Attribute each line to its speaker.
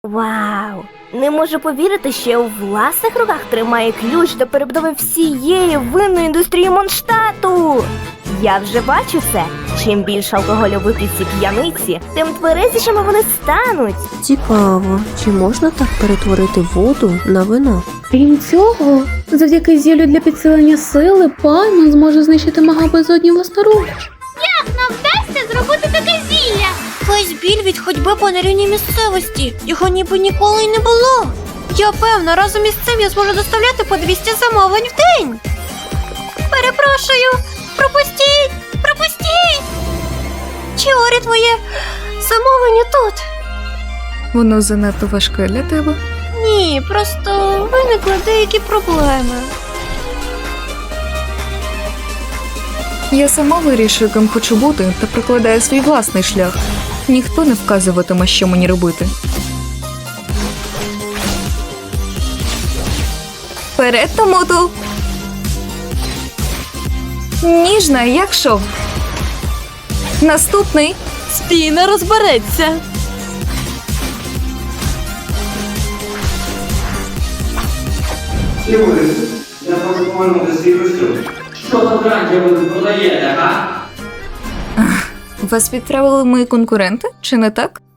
Speaker 1: Вау! Не можу повірити, що я у власних руках тримає ключ до перебудови всієї винної індустрії Mondstadту! Я вже бачу це. Чим більше алкоголю вип'ють ці п'яниці, тим тверезішими вони стануть.
Speaker 2: Цікаво, чи можна так перетворити воду на вино?
Speaker 3: Крім цього, завдяки зіллю для підсилення сили, пан зможе знищити мага безодні власноруч.
Speaker 4: Нам вдасться зробити таке зілля. Весь біль від ходьби по нерівній місцевості. Його ніби ніколи й не було. Я певна, разом із цим я зможу доставляти по 200 замовлень в день. Перепрошую, пропустіть! Чіорі, твоє замовлення тут?
Speaker 5: Воно занадто важке для тебе.
Speaker 4: Ні, просто виникли деякі проблеми.
Speaker 5: Я сама вирішую, ким хочу бути, та прокладаю свій власний шлях. Ніхто не вказуватиме, що мені робити. Вперед, Томоту! Ніжна, як шов. Наступний.
Speaker 4: Стіна розбереться.
Speaker 6: Юрій, я хочу повернути свій костюм. Що за драння ви тут продаєте, га?
Speaker 5: Вас відправили мої конкуренти, чи не так?